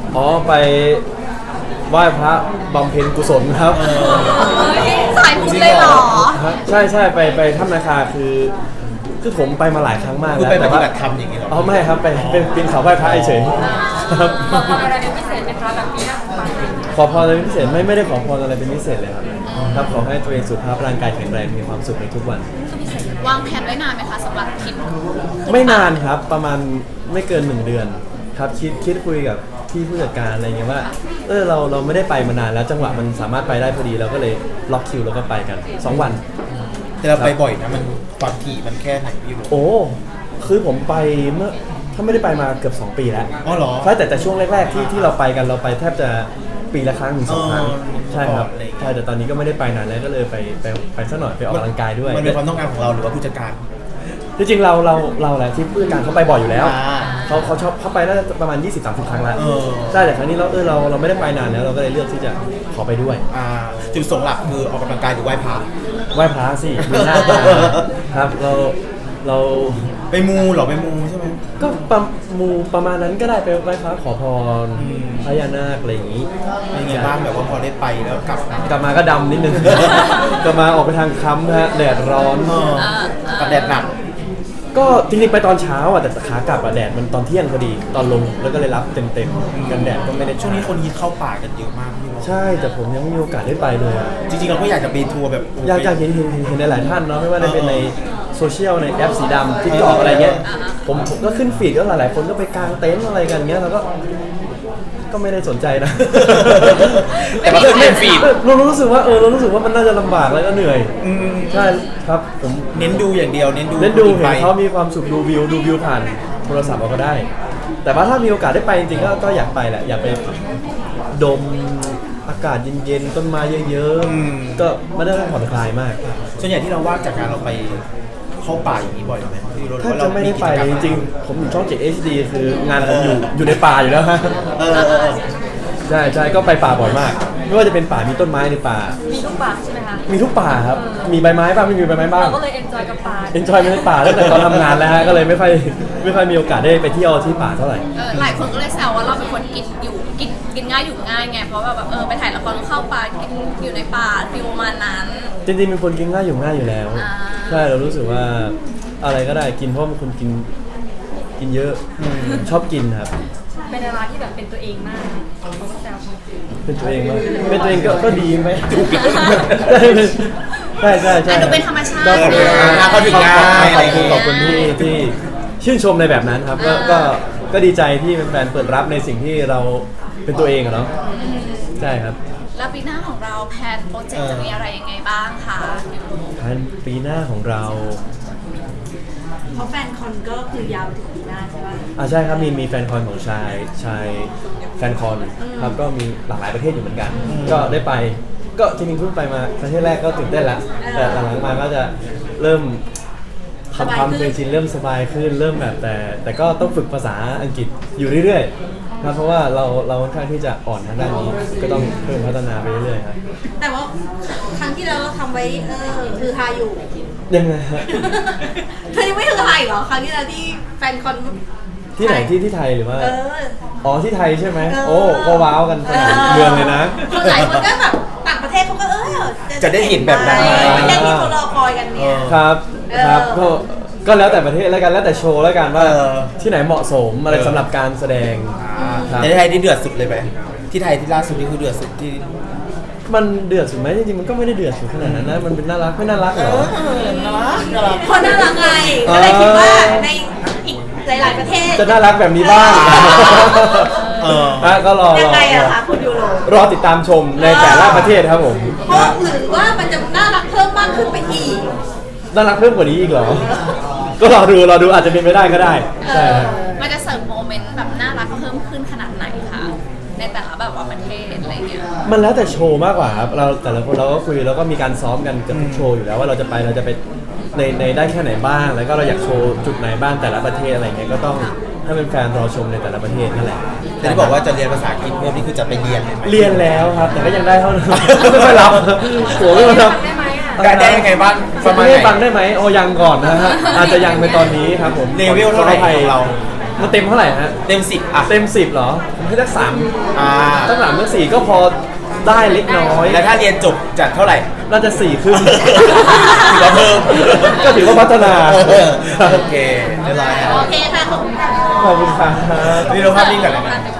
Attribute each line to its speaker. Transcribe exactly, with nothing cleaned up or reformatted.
Speaker 1: อ๋อไปไหว้พระบำเพ็ญกุศลครับ
Speaker 2: สายบุญเลยเหรอ
Speaker 1: ใช่ใช่ไปไปถ้ำนาคาคือคือผมไปมาหลายครั้งมาก
Speaker 3: แล้ว
Speaker 1: แต่
Speaker 3: ว่าปฏิบัติธรรมอย่างนี้หรอ
Speaker 1: อ๋อไม่ครับไปเป็นปีนเขาไหว้พระเฉยครับ
Speaker 2: ขอพรอะไรเป็นพิเศษไหมคะแบบนี้นะ
Speaker 1: ขอพรอะไรเป็นพิเศษไม่ไม่ได้ขอพรอะไรเป็นพิเศษเลยครับครับขอให้ตัวเองสุขภาพร่างกายแข็งแรงมีความสุขในทุกวัน
Speaker 2: วางแผนไว้นานไหมคะสำหรับทริป
Speaker 1: ไม่นานครับประมาณไม่เกินหนึ่งเดือนครับคิดคิดคุยกับพี่ผู้จัดการอะไรเงี้ยว่าเออเราเราไม่ได้ไปมานานแล้วจังหวะมันสามารถไปได้พอดีเราก็เลยล็อกคิวแล้วก็ไปกันสองวัน
Speaker 3: แต่เราไปบ่อยนะมันความถี่มันแค่ไหนพี่รู้
Speaker 1: โอ้คือผมไปเมื่อถ้าไม่ได้ไปมาเกือบสองปีแล้ว
Speaker 3: อ๋อเหรอ
Speaker 1: ใช่แต่แต่ช่วงแรกๆที่ที่เราไปกันเราไปแทบจะปีละครั้งถึงสองครั้งใช่ครับใช่แต่ตอนนี้ก็ไม่ได้ไปนานแล้วก็เลยไปไปไปสักหน่อยไปออกกำลังกายด้วย
Speaker 3: มันเป็นความต้องการของเราหรือว่าผู้จัดการ
Speaker 1: จริงๆเราเราเราแหละที่ผู้จัดการเขาไปบ่อยอยู่แล้วเขาเขาชอบเขาไปได้ประมาณ ยี่สิบถึงสามสิบ ครั้งแล้วใช่แต่ครั้งนี้เราเออเราเราไม่ได้ไปนานแล้วเราก็เลยเลือกที่จะขอไปด้วย
Speaker 3: จุดประสงค์หลักคือออกกำลังกายหรือไหว้พระ
Speaker 1: ไหว้พระสิมีหน้าตาครับเราเรา
Speaker 3: ไปมูหรอไปมูใช่ไหม
Speaker 1: ก็ประมูประมาณนั้นก็ได้ไปไหว้พระขอพรพญานาคอะไรอย่างนี้
Speaker 3: เป็นไงบ้างแบบว่าพอได้ไปแล้วกลับ
Speaker 1: กลับมาก็ดำนิดนึงกลับมาออกไปทางค้ำฮะแดดร้อน
Speaker 3: กับแดดหนัก
Speaker 1: ก็จริงๆไปตอนเช้าอ่ะแต่ขากลับอ่ะแดดมันตอนเที่ยงพอดีตอนลงแล้วก็เลยรับเต็มๆกันแดดก็ไม่ได้
Speaker 3: ช่วงนี้คนฮิตเข้าป่ากันเยอะมากพี่
Speaker 1: ใช่แต่ผมยังไม่มีโอกาสได้ไปเลย
Speaker 3: จริงๆเราก็อยากจะไปทัวร์แบบ
Speaker 1: อยากอยากเห็นเห็นเห็นในหลายท่านเนาะไม่ว่าจะเป็นในโซเชียลในแอปสีดำทิกตอกอะไรเงี้ยผมผมก็ขึ้นฟีดก็หลายๆคนก็ไปกางเต็นท์อะไรกันเงี้ยแล้วก็ก็ไม่ได้สนใจนะ
Speaker 3: แต่ว่าเป็นฟีด
Speaker 1: เรารู้สึกว่าเออเรารู้สึกว่ามันน่าจะลำบากแล้วก็เหนื่อยใช่ครับผม
Speaker 3: เน้นดูอย่างเดียวเน้นดู
Speaker 1: เน้นดูเห็นเขามีความสุขดูวิวดูวิวผ่านโทรศัพท์เราก็ได้แต่ว่าถ้ามีโอกาสได้ไปจริงๆก็ก็อยากไปแหละอยากไปดมอากาศเย็นๆต้นไม้เยอะๆก็มันได้ผ่อนคลายมาก
Speaker 3: ส่วนใหญ่ที่เราว่างจากการเราไปเข้าป่าอย่างนี้บ่อยไหม
Speaker 1: ถ้าจะไม่ได้ไปจริงๆผมอยู่ช่องเจ็ด เอช ดี คืองานผมอยู่อยู่ในป่าอยู่แล้วฮะใช่ใช่ก็ไปป่าบ่อยมากไม่ว่าจะเป็นป่ามีต้นไม้ในป่า
Speaker 2: มีทุกป่าใช่ไหมคะ
Speaker 1: มีทุกป่าครับมีใบไม้บ้างไม่มีใบไม้บ้าง
Speaker 2: เราก็เลยเอนจอยกับป่า
Speaker 1: เอนจอยในป่าตั้งแต่ตอนทำงานแล้วฮะก็เลยไม่ค่อยไม่ค่อยมีโอกาสได้ไปเที่ยวที่ป่าเท่าไหร่
Speaker 2: หลายคนก็เลยแซวว่าเราเป็นคนกินอยู่กินกินง่ายอยู่ง่ายไงเพราะแบบเออไปถ่ายละครเข้าป่ากินอยู่ในป่าฟิลประมาณนั้น
Speaker 1: จริงๆเป็นคนกินง่ายอยู่ง่ายอยู่แล้วใช่เรารู้สึกว่าอะไรก็ได้กินเพราะเป็นคนกินกินเยอะชอบกินครับ
Speaker 2: เป็นดาราที่แบบเป็นตัวเองมากเขาก็แซว
Speaker 1: เป็นตัวเองมากเป็นตัวเองก็ก็ดีไหมใช่ใช่ใช่
Speaker 2: ดูเป็นธรรมชาติ
Speaker 3: เขาถึงง่าย
Speaker 1: ขอบคุณขอบคุณที่ที่ชื่นชมในแบบนั้นครับก็ก็ก็ดีใจที่แฟนเปิดรับในสิ่งที่เราเป็นตัวเองอะเนาะใช่ครับ
Speaker 2: แล้วปีหน้าของเราแพลนโปรเจกต์จะมีอะไรยังไงบ้างคะ
Speaker 1: แพลนปีหน้าของเรา
Speaker 2: เพราะแฟนคอนก็คือยาวถึงปีหน้าใช่ไหม
Speaker 1: อ่าใช่ครับมีมีแฟนคอนของชายชายแฟนคอนครับก็มีหลากหลายประเทศอยู่เหมือนกันก็ได้ไปก็จริงๆเพิ่งไปมาประเทศแรกก็ตื่นเต้นละแต่หลังๆมาก็จะเริ่มทำความเคยชินเริ่มสบายขึ้นเริ่มแบบแต่แต่ก็ต้องฝึกภาษาอังกฤษอยู่เรื่อยๆครับเพราะว่าเราเราค่อนข้างที่จะอ่อนทางด้านนี้ก็ต้องเพิ่มพัฒนาไปเรื่อยๆครับ
Speaker 2: แต่ว่าครั้งที่เราทำไว้เออคือฮาอยู่
Speaker 1: ยังไงฮะ
Speaker 2: เธอยังไม่คือฮาอีกเหรอครั้งที่เราที่แฟนคอน
Speaker 1: ที่ไหนที่ที่ไทยหรือว่าอ๋อที่ไทยใช่ไหมโอ้ก็ว้าวกันเมืองเลยนะ
Speaker 2: คนหลายคนก็แบบต่างประเทศเขาก็เออ
Speaker 3: จะได้เห็นแบบนั้น
Speaker 2: ประเทศที่เขารอคอยกันเนี่ย
Speaker 1: ครับครับก็ก็แล้วแต่ประเทศแล้วกันแล้วแต่โชว์แล้วกันว่าที่ไหนเหมาะสมอะไรสำหรับการแสดง
Speaker 3: ในไทยที่เดือดสุดเลยไหมที่ไทยที่ล่าสุดนี่คือเดือดสุดที่
Speaker 1: มันเดือดสุดไหมจริงๆมันก็ไม่ได้เดือดสุดขนาดนั้นนะมันเป็นน่ารักไม่น่ารักหรอ
Speaker 3: น่ารักน่ารัก
Speaker 2: คนน่ารักไงก็เลยคิดว่าในอีกหลายๆประเทศ
Speaker 1: จะน่ารักแบบนี้บ้างเออก็รอ
Speaker 2: ยังไงอะคะคุณยูโร
Speaker 1: รอติดตามชมในแต่ละประเทศครับผม
Speaker 2: เพราะหรือว่ามันจะน่ารักเพิ่มมากขึ้นไปอีก
Speaker 1: น่ารักเพิ่มกว่านี้อีกเหรอก็รอดูรอดูอาจจะเป็นไปได้ก็ได้ใช่
Speaker 2: มันจะเสริมโมเมนต์แบบน่ารักเพิ่มขึ้นขนาดไหนคะในแต่ละแบบว่าประเทศอะไรเงี้ย
Speaker 1: มันแล้วแต่โชว์มากกว่าครับเราแต่ละคนเราก็คุยแล้วก็มีการซ้อมกันกับทุกโชว์อยู่แล้วว่าเราจะไปเราจะไปในในได้แค่ไหนบ้างแล้วก็เราอยากโชว์จุดไหนบ้างแต่ละประเทศอะไรเงี้ยก็ต้องให้เป็นแฟนรอชมในแต่ละประเทศนั่นแหละ
Speaker 3: แต่ที่บอกว่าจะเรียนภาษาอังกฤษเพิ่มนี่คือจะไปเรียนเลยไหม
Speaker 1: เรียนแล้วครับแต่ก็ยังได้เท่านั้นไม่ค่อยรับหัวไม่ค่อยรับ
Speaker 3: การได้ยังไงบ้าง
Speaker 1: ประมาณไหนฟังได้ไหมโอ้ยังก่อนนะฮะอาจจะยังในตอนนี้ครับผม
Speaker 3: เลเวลเท่าไหร่ของเรา
Speaker 1: มันเต็มเท่าไหร่ฮะ
Speaker 3: เต็มสิบอ่ะ
Speaker 1: เต็มสิบเหรอผมให้สักสาม
Speaker 3: อ่า
Speaker 1: ตั้งสามตั้งสี่ก็พอได้เล็กน้อย
Speaker 3: แล้วถ้าเรียนจบจากเท่าไหร่
Speaker 1: น่าจะสี่ขึ้น
Speaker 3: ถือว่าเพิ่ม
Speaker 1: ก็ถือว่าพัฒนา
Speaker 3: โอเคเรียบร้อยครับ
Speaker 2: โอเคค่ะขอบคุณค่ะ
Speaker 1: ขอบคุณครับ
Speaker 3: นี่เราภาพนิ่งกันเลยนะ
Speaker 2: นะ